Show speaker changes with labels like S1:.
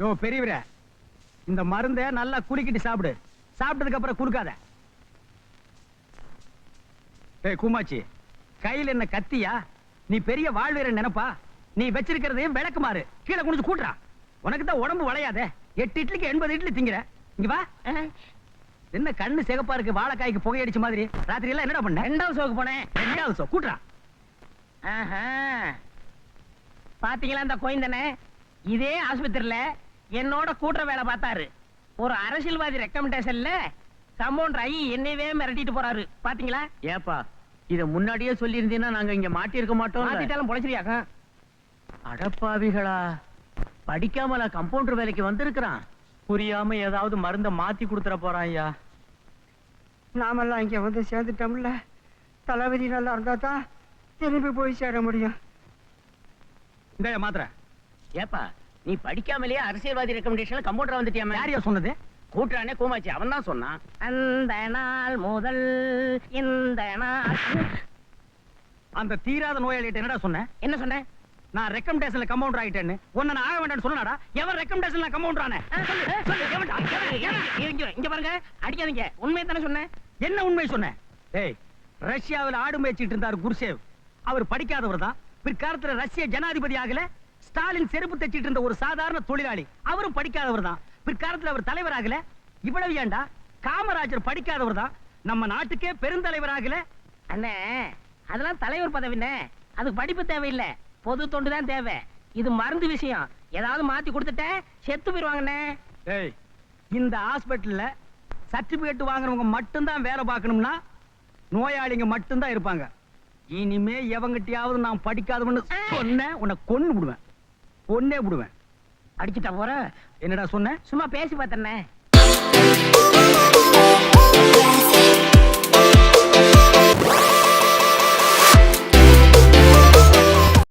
S1: யோ பெரியவரே, இந்த மருந்தை நல்லா குலுக்கிட்டு சாப்பிடு. சாப்பிட்டதுக்கு அப்புறம் குலுக்காத. ஏய் கூமாச்சி, கையில என்ன கத்தியா? நீ பெரிய வாழ்வீரன் நினைப்பா? நீ வச்சிருக்கிறதையும் விளக்குமாறு கீழே குனிஞ்சு கூட்டுறா. உனக்கு தான் உடம்பு வளையாதே. 8 இட்லிக்கு 80 இட்லி திங்கிற. இங்க வா. என்ன கண்ணு சிகப்பா இருக்கு, வாழைக்காய்க்கு புகையடிச்ச மாதிரி. ராத்திரி எல்லாம் என்னடா பண்ண?
S2: 2வது ஷோக்கு போனேன்.
S1: 2வது ஷோ கூட்டுறா.
S2: பாத்தீங்களா இந்த கோயந்தனே? இதே ஆஸ்பத்திரியில என்னோட கூட்டுற வேலை பார்த்தாரு. ஒரு அரசியல்வாதி ரெக்கமெண்டேஷன்ல கம்பவுண்டர் ஆகி என்னையவே மிரட்டிட்டு போறாரு. பாத்தீங்களா?
S3: ஏப்பா இத முன்னாடியே சொல்லி இருந்தீங்கன்னா நாங்க இங்க மாட்டி இருக்க மாட்டோம்.
S2: மாத்திட்டாலும் பொழைச்சிரியாக்கா?
S3: அடப்பாவிகளா, படிக்காமல கம்பவுண்டர் வேலைக்கு வந்திருக்கிறான். புரியாம ஏதாவது மருந்த மாத்தி கொடுத்துற போறான். ஐயா
S4: நாமெல்லாம் இங்க வந்து சேர்ந்துட்டோம்ல. தளபதி நல்லா இருந்தா தான் திரும்பி போய் சேர முடியும்.
S1: இந்த மாத்திரை.
S3: ஏப்பா நீ படிக்காமலேயே அரசியல்வாதி ரெக்கமெண்டேஷன்ல கம்பவுண்டர் வந்துட்டியாம?
S1: யாரையா சொன்னது?
S3: கூட்டுறானே கூமாச்சி, அவன் தான் சொன்னான்.
S2: அந்த நாள் முதல் இந்த நாள்.
S1: அந்த தீராத நோயாளிகிட்ட என்னடா சொன்ன?
S2: என்ன சொன்னேன்?
S1: நான் ரெக்கமெண்டேஷன்ல கம்பவுண்டர் ஆயிட்டேன்னு. உன்னை நான் ஆக வேண்டாம்னு சொன்னடா. எவன் ரெக்கமெண்டேஷன்ல கம்பவுண்டர் ஆனே?
S2: இங்க பாருங்க, அடிக்காதீங்க. உண்மையை தானே சொன்னேன்.
S1: என்ன உண்மை சொன்ன? ஏய், ரஷ்யாவில் ஆடு மேய்ச்சிட்டு இருந்தார் குருசேவ். அவர் படிக்காதவர் தான். பிற்காலத்துல ரஷ்ய ஜனாதிபதி ஆகல. ஸ்டாலின் செருப்பு தைச்சிட்டு இருந்த ஒரு சாதாரண தொழிலாளி. அவரும் படிக்காதவர் தான். பிற்காலத்துல அவர் தலைவர் ஆகல. இவ்வளவு ஏண்டா, காமராஜர் படிக்காதவர் தான். நம்ம நாட்டுக்கே பெருந்தலைவர் ஆகல.
S2: அண்ணே, அதெல்லாம் தலைவர் பதவினே. அதுக்கு படிப்பு தேவையில்லை, பொது தொண்டு தான் தேவை. இது மருந்து விஷயம். ஏதாவது மாத்தி கொடுத்துட்ட செத்து போயிருவாங்கண்ணே.
S1: ஏய், இந்த ஹாஸ்பிட்டல்ல சர்டிபிகேட் வாங்குறவங்க மட்டும்தான் வேலை பார்க்கணும்னா நோயாளிங்க மட்டும்தான் இருப்பாங்க. இனிமே எவங்கிட்டயாவது நான் படிக்காதவன்னு சொன்ன உன்னை கொன்னு விடுவேன். கொன்னே விடுவேன்.
S2: அடிச்சுட்டா போற.
S1: என்னடா சொன்ன?
S2: சும்மா பேசி பார்த்தேன்னே.